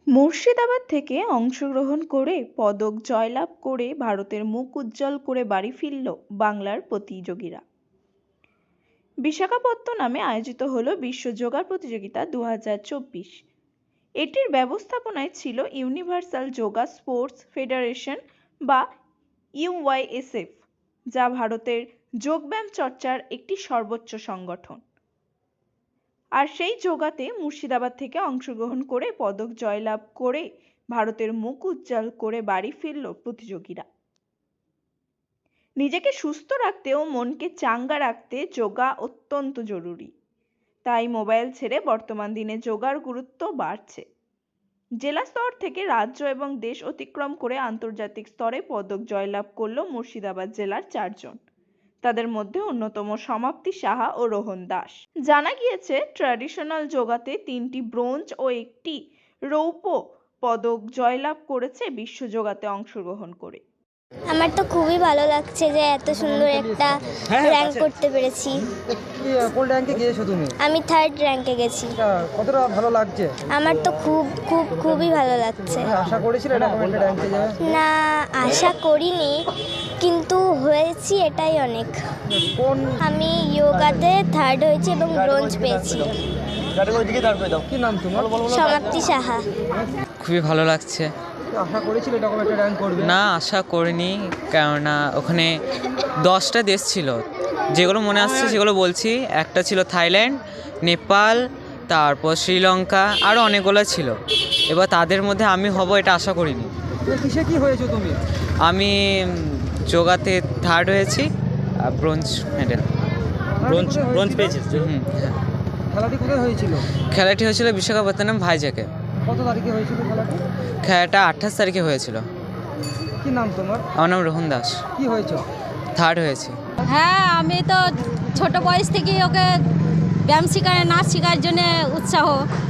মুর্শিদাবাদ থেকে অংশগ্রহণ করে পদক জয়লাভ করে ভারতের মুখ উজ্জ্বল করে বাড়ি ফিরল বাংলার প্রতিযোগীরা। বিশাখাপত্তনমে আয়োজিত হলো বিশ্ব যোগা প্রতিযোগিতা 2024। এটির ব্যবস্থাপনায় ছিল ইউনিভার্সাল যোগা স্পোর্টস ফেডারেশন বা ইউওয়াইএসএফ, যা ভারতের যোগব্যায়াম চর্চার একটি সর্বোচ্চ সংগঠন। আর সেই যোগাতে মুর্শিদাবাদ থেকে অংশগ্রহণ করে পদক জয়লাভ করে ভারতের মুখ উজ্জ্বল করে বাড়ি ফিরল প্রতিযোগীরা। নিজেকে সুস্থ রাখতে ও মনকে চাঙ্গা রাখতে যোগা অত্যন্ত জরুরি, তাই মোবাইল ছেড়ে বর্তমান দিনে যোগার গুরুত্ব বাড়ছে। জেলা স্তর থেকে রাজ্য এবং দেশ অতিক্রম করে আন্তর্জাতিক স্তরে পদক জয়লাভ করল মুর্শিদাবাদ জেলার 4 জন। তাদের মধ্যে অন্যতম সমাপ্তি সাহা ও রোহন দাস। জানা গিয়েছে ট্র্যাডিশনাল যোগাতে 3টি ব্রোঞ্জ ও 1টি রৌপ্য পদক জয়লাভ করেছে বিশ্ব যোগাতে অংশগ্রহণ করে। আমার তো খুবই ভালো লাগছে যে এত সুন্দর একটা র্যাঙ্ক করতে পেরেছি। কোন র্যাঙ্কে গিয়েছো তুমি? আমি 3rd র্যাঙ্কে গেছি। কতটা ভালো লাগছে? আমার তো খুবই ভালো লাগছে। আশা করেছিলে এরকম একটা র্যাঙ্কে যাবে? না, আশা করিনি, কিন্তু হয়েছি, এটাই অনেক। আমি যোগাতে 3rd হয়েছি এবং ব্রোঞ্জ পেয়েছি। কি নাম তোমার? সমাপ্তি সাহা। খুবই ভালো লাগছে। আশা করেছিলে এরকম একটা র্যাঙ্ক করবে? না, আশা করিনি, কেননা ওখানে 10টা দেশ ছিল, যেগুলো মনে আসছে সেগুলো বলছি। একটা ছিল থাইল্যান্ড, নেপাল, তারপর শ্রীলঙ্কা, আরও অনেকগুলো ছিল। এবার তাদের মধ্যে আমি হব এটা আশা করিনি। কিসে কি হয়েছো তুমি? আমি যোগাতে 3rd হয়েছি, ব্রোঞ্জ মেডেল। ব্রোঞ্জ পেয়েছিস? হ্যাঁ। খেলাটি কোথায় হয়েছিল? খেলাটি হয়েছিল বিশাখাপত্তনম ভাইজ্যাকে। কত তারিখে হয়েছিল খেলাটি? খেলাটা 28 তারিখে হয়েছিল। কি নাম তোমার? আমার নাম রোহন দাস। কি হয়েছে? 3rd হয়েছি। হ্যাঁ, আমি তো ছোট বয়স থেকেই ওকে ব্যায়াম শেখায়, নাচ শেখার জন্য উৎসাহ।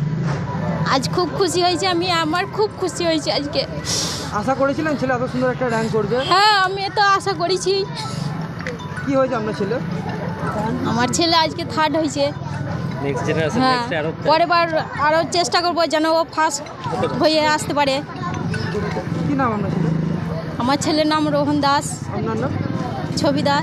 আজ খুব খুশি হয়েছে, আমার খুব খুশি হয়েছে আজকে। আশা করেছিলেন ছেলে এত সুন্দর একটা র্যাঙ্ক করবে? হ্যাঁ, আমি তো আশা করেছি। কি হয়েছে আপনার ছেলে? আমার ছেলে আজকে 3rd হয়েছে। হ্যাঁ, পরের বার আরও চেষ্টা করবো যেন ও ফার্স্ট হয়ে আসতে পারে। কি নাম আপনার ছেলে? আমার ছেলের নাম রোহন দাস। আপনার নাম? ছবি দাস।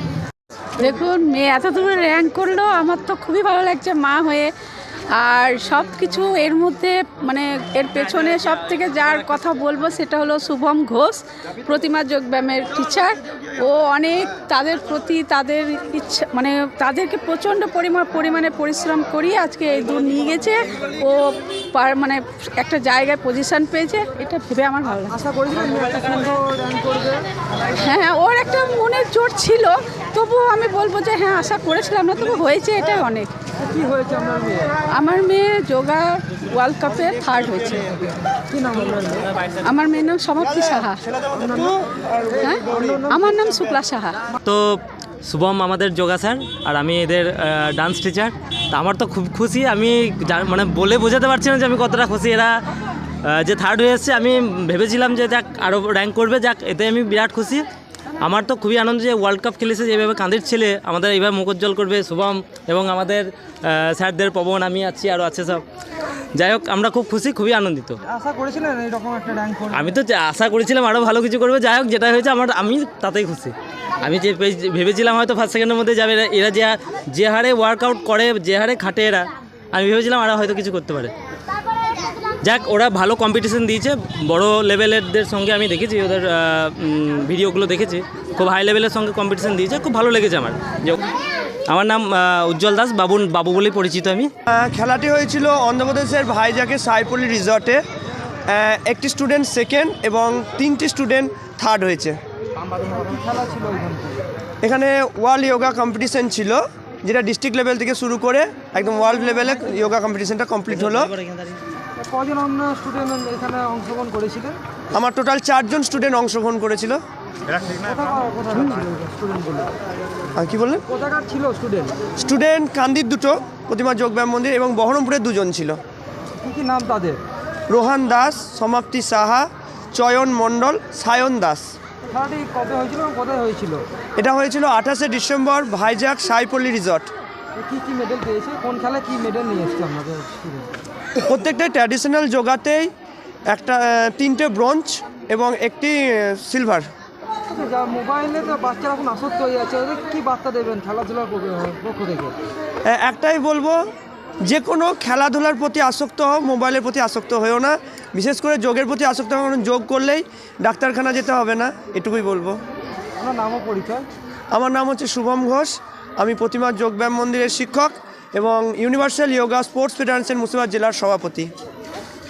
দেখুন, মেয়ে এত দূরে র্যাঙ্ক করলো, আমার তো খুবই ভালো লাগছে মা হয়ে। আর সব কিছু এর মধ্যে মানে এর পেছনে সব থেকে যার কথা বলবো সেটা হলো শুভম ঘোষ, প্রতিমা যোগব্যায়ামের টিচার। ও অনেক তাদের প্রতি তাদের ইচ্ছা মানে তাদেরকে প্রচণ্ড পরিমাণে পরিশ্রম করিয়ে আজকে এই দূর নিয়ে গেছে। ও মানে একটা জায়গায় পজিশন পেয়েছে, এটা ভেবে আমার ভালো লাগে। আশা করেছিলেন একটা সুন্দর র্যাঙ্ক করবে? হ্যাঁ, ওর একটা মনের জোর ছিল, তবুও আমি বলবো যে হ্যাঁ আশা করেছিলাম না, তবু হয়েছে, এটাই অনেক। কি হয়েছে আপনার মেয়ে? আমার মেয়ে যোগা ওয়ার্ল্ড কাপে 3rd হয়েছে। কি নাম আপনার মেয়ে? আমার মেয়ের নাম সমাপ্তি সাহা। হ্যাঁ, আমার নাম শুক্লা সাহা। তো শুভম আমাদের যোগা স্যার, আর আমি এদের ডান্স টিচার। তা আমার তো খুব খুশি, আমি মানে বলে বোঝাতে পারছি না যে আমি কতটা খুশি। এরা যে 3rd হয়ে এসছে, আমি ভেবেছিলাম যে যাক আরও র্যাঙ্ক করবে, যাক এতে আমি বিরাট খুশি। আমার তো খুবই আনন্দ যে ওয়ার্ল্ড কাপ খেলেছে, যেভাবে কাঁদির ছেলে আমাদের এইভাবে মুখ উজ্জ্বল করবে শুভম এবং আমাদের স্যারদের পবন, আমি আছি, আরও আছে সব। যাই হোক, আমরা খুব খুশি, খুবই আনন্দিত। আশা করেছিলেন এইরকম একটা র্যাঙ্ক করবে? আমি তো আশা করেছিলাম আরও ভালো কিছু করবে। যাই হোক, যেটা হয়েছে আমি তাতেই খুশি। আমি যে ভেবেছিলাম হয়তো ফার্স্ট সেকেন্ডের মধ্যে যাবে, এরা যে হারে ওয়ার্কআউট করে, যে হারে খাটে এরা, আমি ভেবেছিলাম আরও হয়তো কিছু করতে পারে। যাক, ওরা ভালো কম্পিটিশন দিয়েছে, বড় লেভেলেরদের সঙ্গে আমি দেখেছি, ওদের ভিডিওগুলো দেখেছি, খুব হাই লেভেলের সঙ্গে কম্পিটিশন দিয়েছে, খুব ভালো লেগেছে আমার। আমার নাম উজ্জ্বল দাস, বাবু বলেই পরিচিত আমি। খেলাটি হয়েছিল অন্ধ্রপ্রদেশের ভাইজ্যাকে সাইপল্লি রিসর্টে। একটি স্টুডেন্ট 2nd এবং 3টি স্টুডেন্ট 3rd হয়েছে। এখানে ওয়ার্ল্ড যোগা কম্পিটিশন ছিল, যেটা ডিস্ট্রিক্ট লেভেল থেকে শুরু করে একদম ওয়ার্ল্ড লেভেলে যোগা কম্পিটিশনটা কমপ্লিট হলো। কজন আপনার স্টুডেন্ট এখানে অংশগ্রহণ করেছিলেন? আমার টোটাল 4 জন স্টুডেন্ট অংশগ্রহণ করেছিল। আর কি বললেন? কোথাকার ছিল স্টুডেন্ট? স্টুডেন্ট কান্দির 2টো, প্রতিমা যোগব্যায়াম মন্দির, এবং বহরমপুরের 2 জন ছিল। কি নাম তাদের? রোহন দাস, সমাপ্তি সাহা, চয়ন মণ্ডল, সায়ন দাস। খেলাটি কবে হয়েছিল এবং কোথায় হয়েছিল? এটা হয়েছিল 28শে ডিসেম্বর ভাইজ্যাক সাইপল্লি রিসর্ট। কি মেডেল পেয়েছে? কোন খেলায় কি মেডেল নিয়ে এসছে আপনাদের স্টুডেন্ট? প্রত্যেকটাই ট্র্যাডিশনাল যোগাতেই একটা 3টে ব্রোঞ্জ এবং একটি সিলভার। আচ্ছা, যা মোবাইলে তো বাচ্চারা এখন আসক্ত হয়ে যাচ্ছে, ওদের কি বার্তা দেবেন খেলাধুলার পক্ষ থেকে? একটাই বলবো, যে কোনো খেলাধুলার প্রতি আসক্ত হও, মোবাইলের প্রতি আসক্ত হয়েও না। বিশেষ করে যোগের প্রতি আসক্ত হও, কারণ যোগ করলেই ডাক্তারখানা যেতে হবে না, এটুকুই বলবো। আপনার নাম ও পরিচয়? আমার নাম হচ্ছে শুভম ঘোষ, আমি প্রতিমা যোগব্যায়াম মন্দিরের শিক্ষক এবং universal yoga sports federation Murshidabad জেলার সভাপতি।